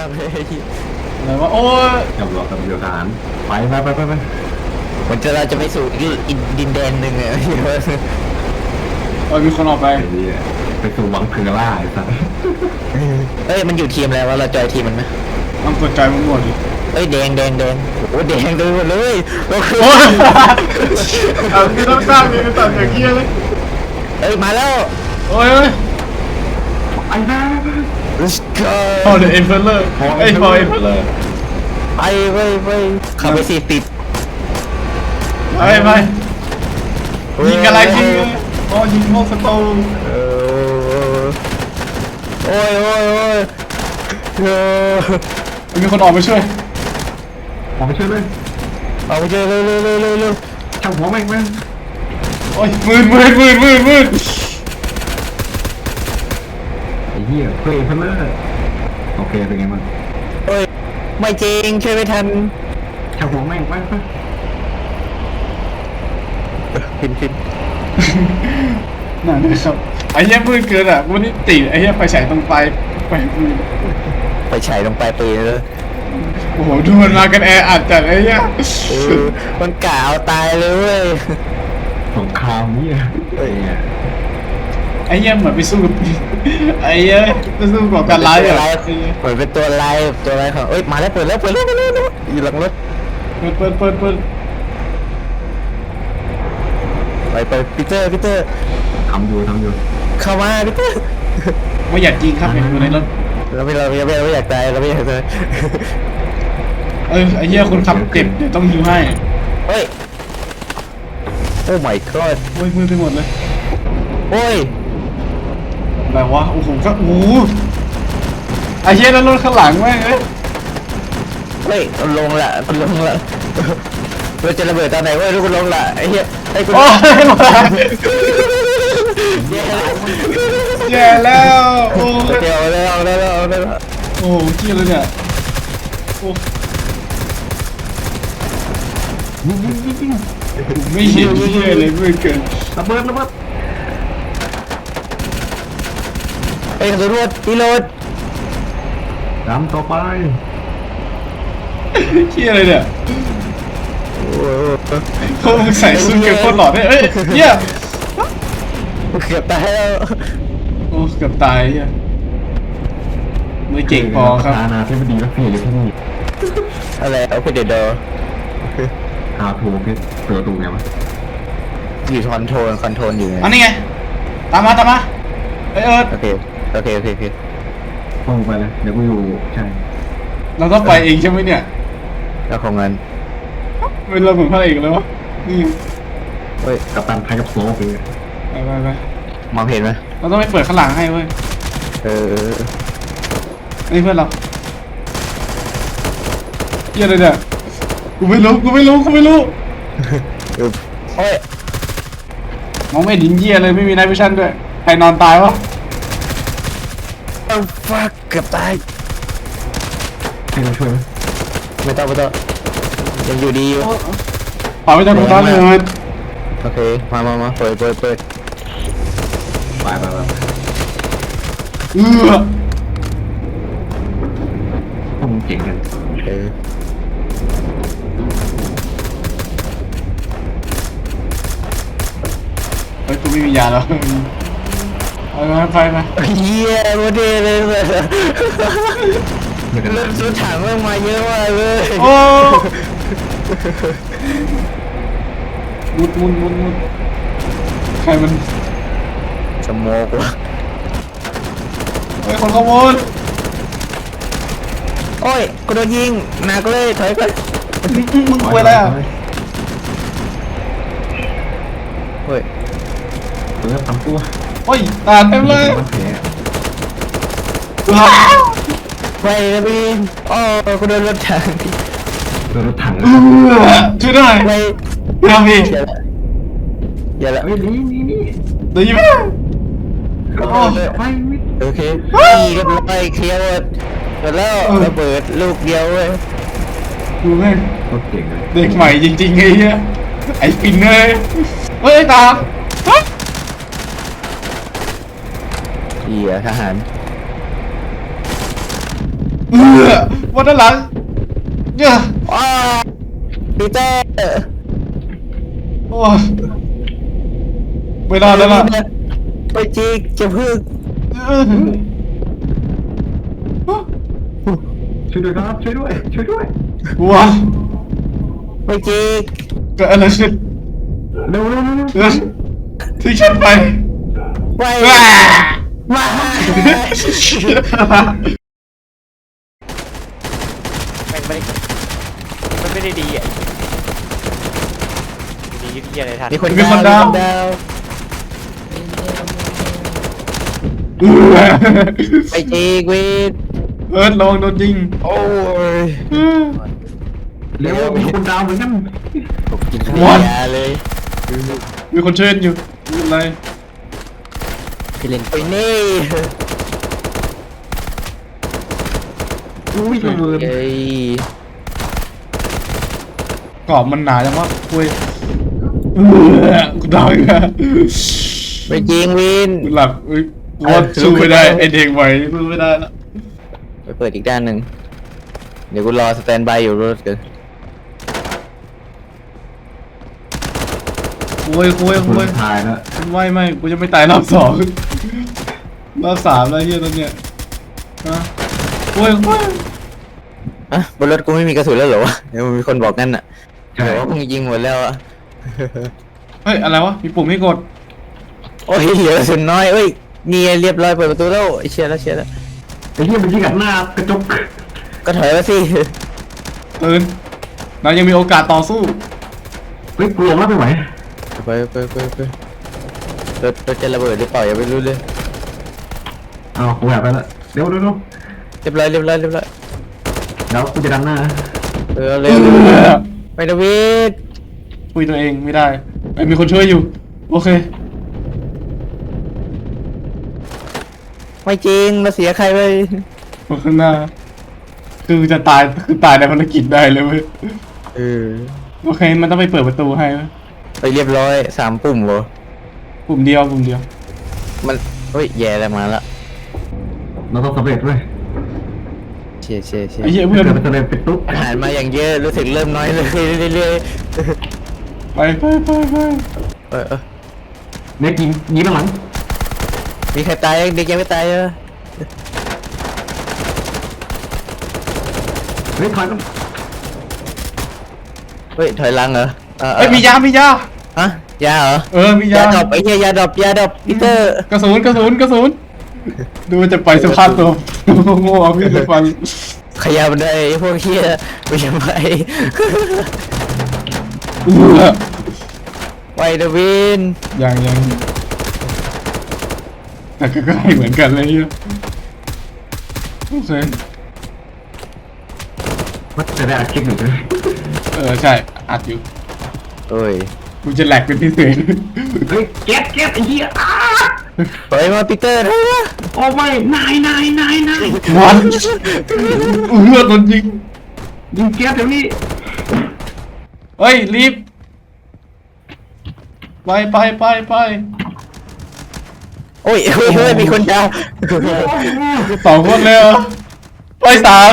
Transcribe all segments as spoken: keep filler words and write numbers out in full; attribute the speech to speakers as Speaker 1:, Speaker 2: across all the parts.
Speaker 1: ากเลย
Speaker 2: อะไรวะโอ้ย
Speaker 3: กับรอกับเรือทหารไปไปไปไปไป
Speaker 1: มันจะเราจะไปสู่อีกดินแดนหนึ่งอะ
Speaker 2: โอ้ยมีคนออกไป
Speaker 3: ไอ้นี่ไปสู่วังเพลล่าไอ้สัส
Speaker 1: เอ้ยมันอยู่ทีมอะไรวะเราจอยทีมมันไหม
Speaker 2: ต้องกดใจมันหมดดิ
Speaker 1: เอ้ยแดงแดงแดงโอ้แดงเลยหมดเลยเราคือ
Speaker 2: โอ้ยเอาที่ต้องสร้างมีตัดอย่างเงี้ยเลย
Speaker 1: เอ้ยมาแล้ว
Speaker 2: โอ้ยโอ้ย
Speaker 3: ไอ้บ้า
Speaker 1: let's go
Speaker 2: พอเดอะเอ็มเพลเลอร์ไอ้พอเอ็มเพลเลอร์
Speaker 1: ไปไปไปขับไปสี่ติด
Speaker 2: ไปไปยิงอะไรยิงอ๋อยิงโมกสโตน
Speaker 1: เออโอ้ยโอ้ยโอ้ยเออ
Speaker 2: มีคนออกไปช่วย
Speaker 3: ออกไปช่วยเลย
Speaker 1: เอาไปเจอเร็วเร็วเร็วเร็วเร็ว
Speaker 3: ช่างหัวแม่งแม่ง
Speaker 2: โอ้ยมืดมืดมืดมืดมืด
Speaker 3: ไอ้เหี้ยเพลย์เพลเลอร์โอเคเป็นไงมัน
Speaker 1: เอ้ยไม่จริงช่วยไม่ทัน
Speaker 3: ช่างหัวแม่งไปไป
Speaker 1: ฟินฟิน
Speaker 2: นั่นนะครับไอ้เหี้ยมืดเกินอ่ะวันนี้ติดไอ้เหี้ยไฟฉายตรงปลายไปมืด
Speaker 1: ไปฉายลงไปปืนเลย
Speaker 2: โอ้โหดูมันมากันแออัดจัดไอ้เหี้ย
Speaker 1: เออมันกะเอาตายเลยเว้ย
Speaker 3: สงครามเนี่ยไอ้เนี่ย
Speaker 2: ไอ้เหี้ยเหมือนไปสู้กับไอ้เหี้ยไปสู้กับการร้าย
Speaker 1: ตั
Speaker 2: อ่ะ
Speaker 1: วร้ายเหมือนเป็นตัวร้ายตัวร้ายของเอ้ยมาแล้วเปิดแล้วเปิดแล้วเปิดแล้วเปิดแล้วอยู่หลังรถ
Speaker 2: เปิดเปิดเปิดเปิด
Speaker 1: ไปไปปีเตอร์ปีเตอร์
Speaker 3: ทำอยู่ทำอยู่
Speaker 1: เข้ามาปีเตอร์
Speaker 2: ไม่อยากยิงครับอยู่ในรถ
Speaker 1: เราไม่เราไม่เราไม่อยากตายเราไม่อยากตาย
Speaker 2: เออไอ้เหี้ยคนขับเจ็บเดี๋ยวต้องฮิวให้
Speaker 1: เฮ้ยโอ้ my god
Speaker 2: โอ้ยมืดไปหมดเลย
Speaker 1: โอ้ย
Speaker 2: อะไรวะโอ้โหก็โอ้โหไอ้เหี้ยแล้วรถข้างหลังแม่งเอ้ย
Speaker 1: เฮ้ยมันลงละมันลงละเราจะระเบิดตอนไหนเว้ยลูกมันลงละไอ้เหี้ยไอ้กู
Speaker 2: โอ้ยมา
Speaker 1: แย่แล้ว
Speaker 2: แย่แล้วโอ้ย
Speaker 1: เดี๋ยวเอาแล้วเอาแล้วเอาแล้ว
Speaker 2: โอ้โหเกี้ยเลยเนี่ยโอ้
Speaker 3: ยิงยิงยิงยิง
Speaker 2: ไม่เห็นเกี้ยเลยมืดเกิน
Speaker 3: ระเบิดระเบิด
Speaker 1: ไอ้ยกระสุนรวดตีโรด
Speaker 3: ดำต่อไป
Speaker 2: เกี้ยเลยเนี่ย
Speaker 1: โอ้โห
Speaker 2: เขามึงใส่ชุดเก็บโคตรหล่อเนี่ยเอ้ยเหี้ย
Speaker 1: เกือบตายแล้ว
Speaker 2: โอ้เกือบตายเหี้ยไม่เก่งพอครับ
Speaker 3: อาณาธิบดีรัสเซียอยู่ที่นี่
Speaker 1: อะไรเอาไปเดดดอ
Speaker 3: ฮาวทูเพชรเปิดประตูไงวะ
Speaker 1: อยู่คอนโทรลคอนโทรลอยู่ไง
Speaker 2: อันนี้ไงตามมาตามมาเอ้ยเอิร์ธ
Speaker 1: โอเคโอเคโอเคโอเค
Speaker 3: ลงไปเลยเดี๋ยวกูอยู่ใช่
Speaker 2: เราต้องไปเองใช่ไหมเนี่ย
Speaker 1: แล้วของเงิน
Speaker 2: เป็นเราเหมือนพระเอกเลยวะนี่
Speaker 1: เฮ้ย
Speaker 3: กัปตันไทยกับโซ่ไปเลย
Speaker 2: ไปไปไป
Speaker 1: มองเห็นไหม
Speaker 2: เราต้องไปเปิดข้างหลังให้เว้ย
Speaker 1: เออ
Speaker 2: นี่เพื่อนเราเหี้ยอะไรเนี่ยกูไม่รู้กูไม่รู้กูไม่รู้
Speaker 1: เออโอ้ย
Speaker 2: มองไม่เห็นยิงเหี้ยเลยไม่มีไนท์วิชั่นด้วยใครนอนตายวะ
Speaker 1: เอ้าฟักเกือบตาย
Speaker 3: ให้เราช่วยไหม
Speaker 1: ไม่ต้องไม่ต้องยังอยู่ดีอยู่
Speaker 2: เป่าไปจากตรงนั้นเลย
Speaker 1: โอเคมามามาเปิดเปิดเปิด
Speaker 3: ไปไปไป
Speaker 2: เออ
Speaker 3: พวกมึงเก่งกัน
Speaker 1: เออ
Speaker 2: เฮ้ยกูไม่มียาแล้วไปไปไปไป
Speaker 1: เฮียโมเดลเลยเลย
Speaker 3: ไม่กัน
Speaker 1: เริ่มซื้อถังเริ่มมาเยอะมากเลย
Speaker 2: โอ้มุดมุดมุดมุดใครมัน
Speaker 1: สโมกวะ
Speaker 2: เฮ้ยคนขโมย
Speaker 1: โอ้ยกูโดนยิงหนักเลยถอยไป
Speaker 2: มึงมึงกลัวอะไรอ่ะ
Speaker 1: เฮ้ย
Speaker 3: เปิดทำตัว
Speaker 2: โอ้ยตาเต็มเลย
Speaker 3: มันแผล
Speaker 2: ว้าว
Speaker 1: ไปนะพี่อ๋อกูโดนรถถัง
Speaker 3: โดนรถถัง
Speaker 2: เออช่วยหน่อย
Speaker 1: ไป
Speaker 2: เดี๋ยวพี่
Speaker 1: อย่าละอย่าละ
Speaker 3: เฮ้ยนี่นี่นี่
Speaker 2: ได้ยินไหม
Speaker 3: โอ้ไปมิด
Speaker 1: โอเคนี่เรียบร้อยเคลียร์หมดหมดแล้วระเบิดลูกเดียวเว้ย
Speaker 2: ดูแม่ง
Speaker 3: โคตรเก่งเลย
Speaker 2: เด็กใหม่จริงๆไอ้เหี้ยไอ้ปินเลยเฮ้ยตาเฮ้ย
Speaker 1: เหี้ยทหาร
Speaker 2: เออวันด้านหลังเนี่ย
Speaker 1: อ้าปีเตอร์
Speaker 2: โอ้ยไม่ได้แล้วล่ะ
Speaker 1: ไปจีกจะพึ่ง
Speaker 2: เออ
Speaker 3: ช่วยด้วยครับช่วยด้วยช่วยด้วย
Speaker 2: ว้าว
Speaker 1: ไปจีก
Speaker 2: เกิดอะไรขึ้น
Speaker 3: เร็วเร็วเร็วเร็ว
Speaker 2: เออที่ฉันไป
Speaker 1: ไป
Speaker 2: ว้า
Speaker 1: มา
Speaker 4: มันไม่ได้มันไม่ได้ดีอ่ะดีที่อะไรทัน
Speaker 1: มีคนดาวมีคนดาว
Speaker 2: เออ
Speaker 1: ไปจีกวิน
Speaker 2: เออลองโดนยิง
Speaker 1: โอ้ย
Speaker 2: เออ
Speaker 3: เร็วมีคนดาวเหมือนกัน
Speaker 1: ผมกินข้าว
Speaker 2: What?
Speaker 1: ยาเลย
Speaker 2: มีคนเชิญอยู่ไม่เป็นไร
Speaker 1: พี่เล่นไปนี่
Speaker 3: อุ้ยระเบิด
Speaker 1: เย้ย
Speaker 2: กรอบมันหนาจังวะคุยเออกูดาวอีกแล้ว
Speaker 1: ไปจีงวิน
Speaker 2: กูหลับเอ้ยกูว่าสู้ไม่ได้ไอเด็กไหวสู้ไม่ได้แล้ว
Speaker 1: ไปเปิดอีกด้านหนึ่งเดี๋ยวกูรอสแตนบายอยู่รถกัน
Speaker 2: คุยคุย
Speaker 3: คุ
Speaker 2: คุย
Speaker 3: ณทายแล้ว
Speaker 2: ไม่ไม่กูจะไม่ตายรอบสองรอบสามแล้วเฮียตอนเนี้ยนะคุยคุย
Speaker 1: อ่ะบนรถกูไม่มีกระสุนแล้วเหรอวะเดี๋ยวมีคนบอกงั้นอ่ะ
Speaker 3: ใช่
Speaker 1: แต่ว่ามึงยิงหมดแล้วอ่ะ
Speaker 2: เฮ้ยอะไรวะมีปุ่มให้กด
Speaker 1: โอ้ยเหลือกระสุนน้อยเอ้ยนี่ไงเรียบร้อยเปิดประตูแล้วไอ้เชียร์แล้วเชียร์แล้ว
Speaker 3: ไอ้เหี้ยมันยิงกัดหน้ากระจก
Speaker 1: ก็ถอยมาสิ
Speaker 2: ตื่นเรายังมีโอกาสต่อสู้
Speaker 3: เฮ้ยกูลงแล้วไม่ไหว
Speaker 1: ไปไปไปไปรถรถจะระเบิดหรือเปล่าอย่าไปรู้เลย
Speaker 3: เอากูแบบไปแล้วเร็วเร็วเร็ว
Speaker 1: เรียบร้อยเรียบร้อยเรียบร้อย
Speaker 3: เดี๋ยวกูจะดันหน้า
Speaker 1: เออเร็วไปนะวิทย์
Speaker 2: คุยตัวเองไม่ได้ไอ้ยมีคนช่วยอยู่โอเค
Speaker 1: ไม่จริงมาเสียใครไป
Speaker 2: คนข้างหน้า คือจะตายคือตายในภารกิจได้เลยเว้ย
Speaker 1: เออ
Speaker 2: โอเคมันต้องไปเปิดประตูให้เว้ย
Speaker 1: ไปเรียบร้อยสามปุ่มเหรอ
Speaker 2: ปุ่มเดียวปุ่มเดียว
Speaker 1: มันเฮ้ยแย่แล้วมาละ
Speaker 3: เราต้องสำเร็จเว้ย
Speaker 1: เชียร์เชียร์เชีย
Speaker 2: ไอ้
Speaker 1: ร์
Speaker 2: เหี้ย
Speaker 3: ถ้า
Speaker 2: เพื่อน
Speaker 3: เกิดมันสำเร็จไปตุ๊บ
Speaker 1: อาหารมาอย่างเยอะรู้สึกเริ่มน้อยเลยเรื่อย
Speaker 2: ไปไปไปไป
Speaker 1: ๆเออเออ
Speaker 3: เนี่ยยิงยิงข้างหลัง
Speaker 1: มีใครตายยังเด็กยังไม่ตายเหรอ
Speaker 3: เฮ้ยถอยกัน
Speaker 1: เฮ้ยถอยหลังเหรอเออเอ
Speaker 2: เอ้ย
Speaker 1: อ
Speaker 2: มียามียา
Speaker 1: ฮะยาเหรอ
Speaker 2: เออมียาย
Speaker 1: าดรอปไอ้เหี้ยยาดรอปยาดรอปพีเตอร์
Speaker 2: กระสุนกระสุนกระสุนดูมันจะไปสภาพตัวโง่ๆพี่จะฟัง
Speaker 1: ขยับได้ไอ้พวกเหี้ยไม่ใช่ไป
Speaker 2: เออ
Speaker 1: ไปเดวิน
Speaker 2: ยังยังแต่ก็ใกล้เหมือนกันเลยเหี้ยโอเค
Speaker 3: มันจะได้อัดคลิปหนึ่งเลย
Speaker 2: เออใช่อัดอยู่
Speaker 1: โอ้ย
Speaker 2: กูจะแหลกเป็นพิเศษ
Speaker 3: เฮ้ยแก๊สแก๊สไอ้เหี้ยอ้า
Speaker 1: ปล่อยมาพีเตอร์นะ
Speaker 3: โอ้ไม่นายนายนายนาย
Speaker 2: วันเลือดโดนยิง
Speaker 3: ยิงแก๊สเดี๋ยวนี้
Speaker 2: เฮ้ยรีบไปไปไปไป
Speaker 1: โอ้ยเฮ้ยเฮ้ยมีคนดาว
Speaker 2: สองคนเลยเหรอไปสาม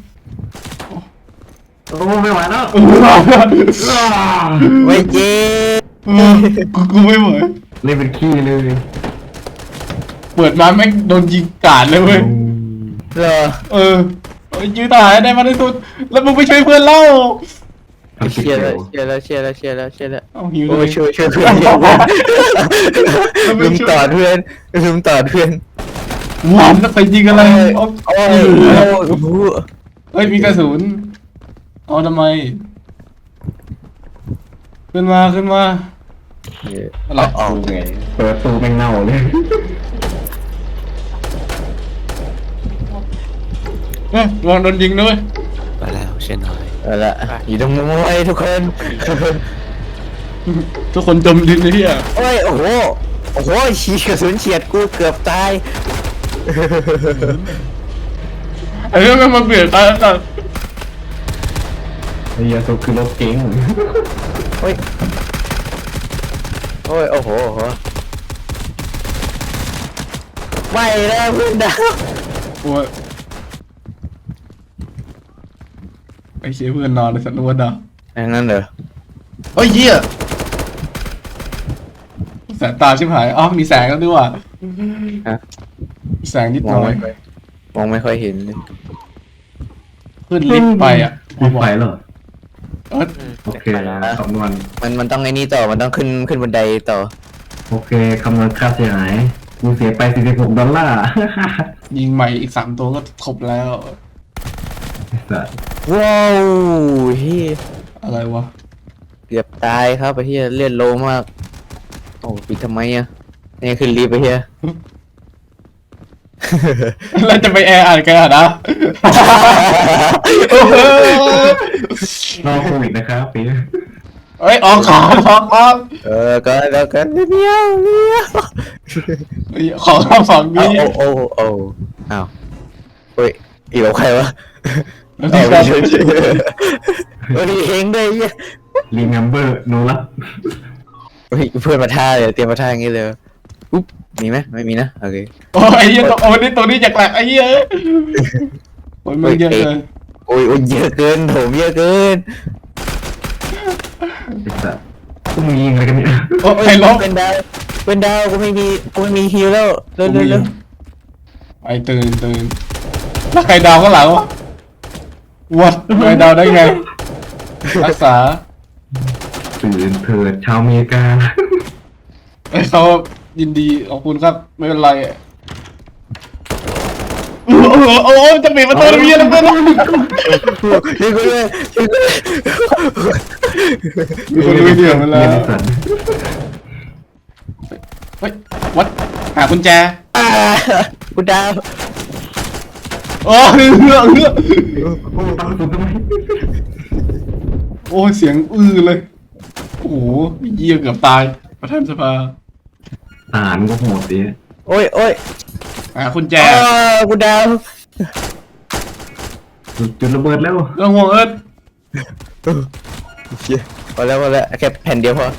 Speaker 3: โอ้ไม่ไหวแล้ว
Speaker 2: เออ
Speaker 3: อ้า
Speaker 1: ไม่จริง
Speaker 2: เออกูกูไม่ไหว
Speaker 3: เล่นเป็นขี้เลย
Speaker 2: เปิดมาแม่งโดนยิงกาดเลยเว้ย
Speaker 1: เหรอ
Speaker 2: เออเอ้ยยื้อทหารให้ได้มากที่สุดแล้วมึงไปช่วยเพื่อนเล่า
Speaker 3: เอาคลิป
Speaker 1: เชียร์
Speaker 3: เดี
Speaker 1: แล้
Speaker 3: ยว ว
Speaker 1: เชียร์แล้วเชียร์แล้วเชียร์แล้วเชียร์แล้ว
Speaker 2: เอาหิว
Speaker 1: โอ้
Speaker 2: เลย ย
Speaker 1: ช่วยช่วยเพื่อนลืมตอดเพื่อนลืมตอดเพื่อน
Speaker 2: หวานแล้วไปยิงอะไรเอา
Speaker 1: โอ้ยโอ้โห
Speaker 2: เฮ้ยมีกระสุนเอาทำไม ขึ้นมาขึ้นมาอะไร
Speaker 1: อ๋อ
Speaker 3: ไงเปิดตูแม่งเน่าเลย
Speaker 2: เฮ้ยลองโดนยิงด้วย
Speaker 4: ไปแล้วเช่นน้อย
Speaker 1: เอาละอยู่ตรงมุมไอ้ทุกคน
Speaker 2: ทุกคนจมดินเลยที่อ่ะ
Speaker 1: โอ้ยโอ้โหโอ้โหฉีกกระสุนเฉียดกูเกือบตาย
Speaker 2: ไอ้เรื่องมันมาเบียดตายแล้วกัน
Speaker 3: ไอ้เหี้ยาสุคือรถเก๋ง
Speaker 1: โอ้ยโอ้ยโอ้โหโอ้โหไม่แล้วเพื่อนดาว
Speaker 2: โอ้ยไอ้เชี่ยเพื่อนนอนในสัตว์นวดอ่ะ
Speaker 1: อย่างนั้นเหรอ
Speaker 2: เฮ้ยเหี้ยแสงตาชิบหายอ๋อมีแสงแล้วด้วยว่ะ
Speaker 1: ฮะ
Speaker 2: แสงนิด
Speaker 1: ม
Speaker 2: ห
Speaker 1: อง
Speaker 2: น่อย
Speaker 1: ไม่ค่อยมองไม่ค่อยเห็นเลย
Speaker 2: ขึ้นลิฟต์ไปอ่ะ
Speaker 3: มีไฟเหรอ
Speaker 2: เอิร์ธ
Speaker 4: อืม
Speaker 3: โอเคคำนวณ
Speaker 1: มันมันต้องไอ้นี่ต่อมันต้องขึ้นขึ้นบันไดต่อ
Speaker 3: โอเคคำนวณค่าเสียหายกูเสียไปสี่สิบหกดอลลาร์
Speaker 2: ยิงใหม่อีกสามตัวก็ครบแล้ว
Speaker 3: ไอ้สัส
Speaker 1: ว้าวเฮีย
Speaker 2: อะไรวะ
Speaker 1: เกือบตายครับไอ้เฮียเลือดโลมากโอ้ปิดทำไมอ่ะนี่ขึ้นรีบไปเฮีย
Speaker 2: แล้วจะไปแอร์อ่านกันอ่ะนะ
Speaker 3: รอโควิดนะครับปี
Speaker 2: เฮ้ยออกของออกของ
Speaker 1: เออก็ก็ก็เดียวเดียว
Speaker 2: เฮ้ยของรอบสอง
Speaker 1: โอ้
Speaker 2: นี้
Speaker 1: โอ้โอ้โอ้อ้าวเฮ้ยอีกแล้วใครวะ
Speaker 2: แล้ว
Speaker 1: เอา
Speaker 2: ที่
Speaker 1: ไป
Speaker 2: ก็
Speaker 1: เฉยๆเฮ้ยเองด้วยเฮีย
Speaker 3: รีเมมเบอร์โนรับ
Speaker 1: เฮ้ยเพื่อนมาท่าเลยเตรียมมาท่าอย่างงี้เลยอุ๊บมีไหมไม่มีนะโอเค
Speaker 2: โอ้ยไอ้เหี้ยตัวโอ้ยนี่ตัวนี้จากแหลกไอ้เหี้ยโอ้ยมึงเยอะเลย
Speaker 1: โอ้ยโอ้ยเยอะเกินโถมเยอะเกิน
Speaker 3: ไอ้สัสพวกมึงยิงอะไรกันเนี่ย
Speaker 2: โอ้ยใครล้ม
Speaker 1: เป็นดาวเป็นดาวกูไม่มีกูไม่มีฮิวแล้วเร็วเร็วเร็ว
Speaker 2: ไอ้ตื่นตื่นแล้วใครดาวข้างหลังวะวัดใครดาวได้ไง รักษา
Speaker 3: ตื่นเถิดชาวอเมริกา
Speaker 2: ไอ้เขายินดีขอบคุณครับ ไม่เป็นไรโอ้โหโอ้โหจะปิดประตูทำไมเนี่ยนะเพื่อน
Speaker 1: นี่กูเลยนี่กูเลย
Speaker 2: มีคนดูวิดีโอมาแล้ว
Speaker 3: เรียนไอ้สัส
Speaker 2: เฮ้ยวัดหากุญแจ
Speaker 1: อ่ากูดาว
Speaker 2: โอ้ยเฮือเฮือ
Speaker 3: โอ้ตั้งสุดทำไม
Speaker 2: โอ้ยเสียงอื้อเลย โอ้โหเยี่ยเกือบตาย ประธานสภา
Speaker 3: ทหารก็โหดดิ
Speaker 1: โอ้ยโอ้ย
Speaker 2: หากุญแจ
Speaker 1: อ่ากูดาว
Speaker 3: จุดระเบิดแล้ว
Speaker 2: เรื่องห่วงเอิร์ธ
Speaker 1: เชี่ยพอแล้วพอแล้วแค่แผ่นเดียวพอ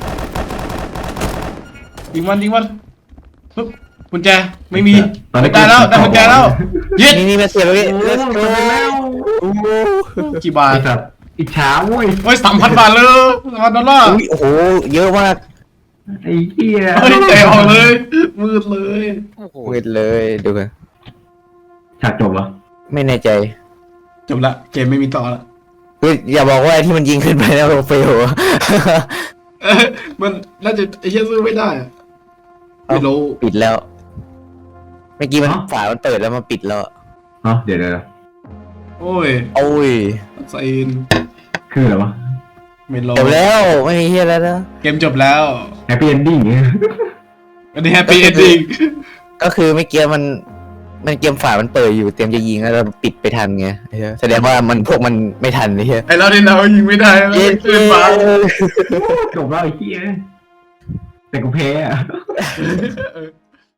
Speaker 2: ยิงมันยิงมันปึ๊บกุญแจไม่มี
Speaker 3: ตอนนี้
Speaker 2: ได้แล้วได้กุญแจแล้วยึด
Speaker 1: นี่นี่มาเสียบเลย
Speaker 3: โอ้
Speaker 1: let's
Speaker 3: ย
Speaker 1: go
Speaker 3: ไปแล้ว
Speaker 1: โอ้โห
Speaker 2: กี่บาท
Speaker 3: ไอ้สัสอิจฉาเว้ย
Speaker 2: โอ้ยสามพันบาทเลยสามพันดอลลาร์
Speaker 1: อุ้ยโอ้โหเยอะมาก
Speaker 3: ไอ้เหี้ย
Speaker 2: เฮ้ยเตะออกเลยมืดเลย
Speaker 4: โอ้โห
Speaker 1: เวทเลยดูกัน
Speaker 3: ฉากจบเหรอ
Speaker 1: ไม่แน่ใจ
Speaker 2: จบละเกมไม่มีต่อละ
Speaker 1: เฮ้ยอย่าบอกว่าไอ้ที่มันยิงขึ้นไปแล้วเฟล
Speaker 2: เอ้ยมันน่าจะไอ้เหี้ยซื้อไม่ได้อะไม่รู้
Speaker 1: ปิดแล้ว เมื่อกี้มันฝามันเปิดแล้วมันปิดแล้ว
Speaker 3: อ๋อเดี๋ยวเดี๋ยวเดี๋ยว
Speaker 2: โอ้ย
Speaker 1: โอ้ย
Speaker 2: ไซน
Speaker 3: คืออะไรวะ
Speaker 2: ไม่รู้
Speaker 1: จบแล้วไม่มีเฮียแล้วนะ
Speaker 2: เกมจบแล้ว
Speaker 3: แฮปปี้เอนดิ้ง
Speaker 2: อันนี้แฮปปี้เอนดิ้ง
Speaker 1: ก็คือเมื่อกี้มัน มันเกมฝามันเปิดอยู่เตรียมจะยิงแล้วเราปิดไปทันไงไอ้เหี้ยแสดงว่ามันพวกมันไม่ทันไอ้เฮีย
Speaker 2: ไอ้เราที่เรายิงไม่ได้แล้ว
Speaker 1: เย้
Speaker 2: ขึ้นฟ้า
Speaker 3: จบแล้วไอ้เหี้ยแต่กูแพ้อะ
Speaker 2: เออ